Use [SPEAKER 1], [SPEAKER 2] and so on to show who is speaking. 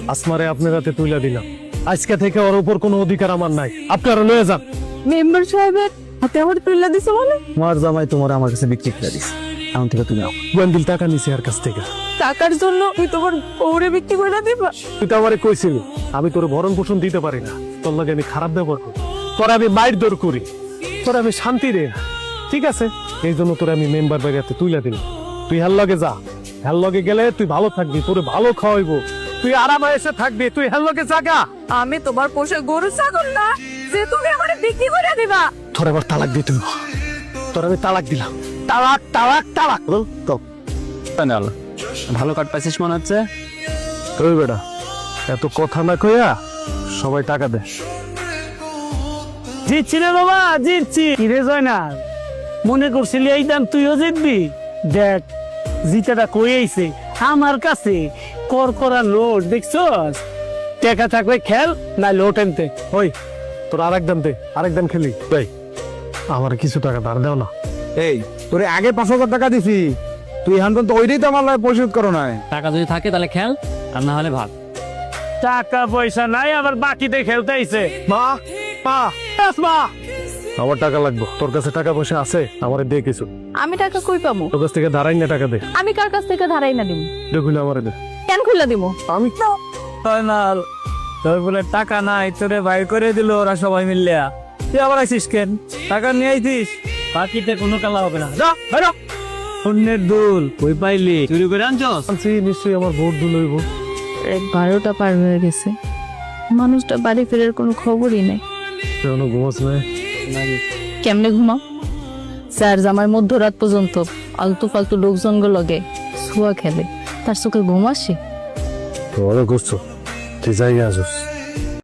[SPEAKER 1] আসমারে আপনার হাতে তুলে দিলাম। আজকে থেকে ওর উপর কোনো অধিকার আমার নাই, আপনারা লয়ে যান।
[SPEAKER 2] মেম্বার সাহেবের হাতে আমার তুলে দিছে বলে?
[SPEAKER 3] তোমার জামাই তোমার আমার কাছে বিক্রি করে দিস, এখন থেকে তুমি
[SPEAKER 1] গোয়েন্দিল টাকা নিছে আর কাছ থেকে।
[SPEAKER 2] টাকার জন্য তুই তোমার বউরে বিক্রি করে দিবা?
[SPEAKER 1] তুই তো আমারে কইছিলি আমি তোর ভরণ পোষণ দিতে পারি না, তোর লাগে আমি খারাপ ব্যবহার করি, তোর আমি মাইর দর করি, তোর আমি শান্তি দে না। ঠিক আছে, এই জন্য তোর আমি মেম্বার বাড়িতে তুইলা দিলাম। তুই হেল লগে যা, হেল লগে গেলে তুই ভালো থাকবি, তোরে ভালো খাওয়াইবো, তুই আরামে এসে থাকবি, তুই হেল লগে জাগা।
[SPEAKER 2] আমি তোমার পোষা গরু ছাগল না যে তুমি আমার বিক্রি করে দিবা?
[SPEAKER 1] তোর এবার তালাক দিয়ে তুই, তোর আমি তালাক দিলাম। তালাক তালাক তালাক।
[SPEAKER 3] ভালো কাট পাইছিস মনে হচ্ছে।
[SPEAKER 1] ওই বেটা, এত কথা না কইয়া সবাই টাকা দে।
[SPEAKER 4] জিতছি রে বাবা, জিতছি। কিরে জয়না, মনে করছিলি এই দাম তুইও জিতবি? দেখ জিতাটা কই আইছে আমার কাছে, কর করা নোট দেখছস? টাকা থাকলে খেল, না লোট আনতে।
[SPEAKER 1] ওই তোর আরেক দাম দে, আরেক দাম খেলি। ভাই আমার কিছু টাকা ধার দাও না।
[SPEAKER 3] এই তোরে আগে 5,000 টাকা দিছি, তুই এখন তো ওইটাই তো আমার লাগে পরিশোধ করো না।
[SPEAKER 5] টাকা যদি থাকে তাহলে খেল, আর না হলে ভাগ।
[SPEAKER 4] টাকা পয়সা নাই, আবার বাকিতে খেলতে আইছে।
[SPEAKER 1] মা মা মা, আমার টাকা লাগবে। তোর কাছে টাকা পয়সা আছে? আমারে দে কিছু।
[SPEAKER 2] আমি টাকা কই পাবো?
[SPEAKER 1] তোর কাছ থেকে ধারাই না টাকা দে।
[SPEAKER 2] আমি কার কাছ থেকে ধারাই না দিব?
[SPEAKER 1] দেখুলে আমারে দে।
[SPEAKER 2] কেন খুলে দিব?
[SPEAKER 1] আমি
[SPEAKER 4] ফাইনাল তোর বলে টাকা নাই, তোরে বাইর করে দিল ওরা সবাই মিললে। তুই আবার আইসিস কেন? টাকা নিয়ে আইছিস, বাকিতে কোনো কালা হবে না। যা বেরো। অন্যের দুল কই পাইলি? চুরি করে আনছস?
[SPEAKER 1] আনছি, নিশ্চয়ই আমার ভোট দুল হইব।
[SPEAKER 2] 12টা পার হয়ে গেছে, মানুষটা বাড়ি ফেরার কোনো খবরই নেই।
[SPEAKER 1] এখনো ঘুমাস নাই?
[SPEAKER 2] কেমনে ঘুমাও? স্যার জামার মধ্যরাত পর্যন্ত আলতু ফালতু লোকজনগুলো লগে ছুয়া খেলে, তার চোখে ঘুম আসে?
[SPEAKER 1] তোরা করছো, তুই যাই আসস।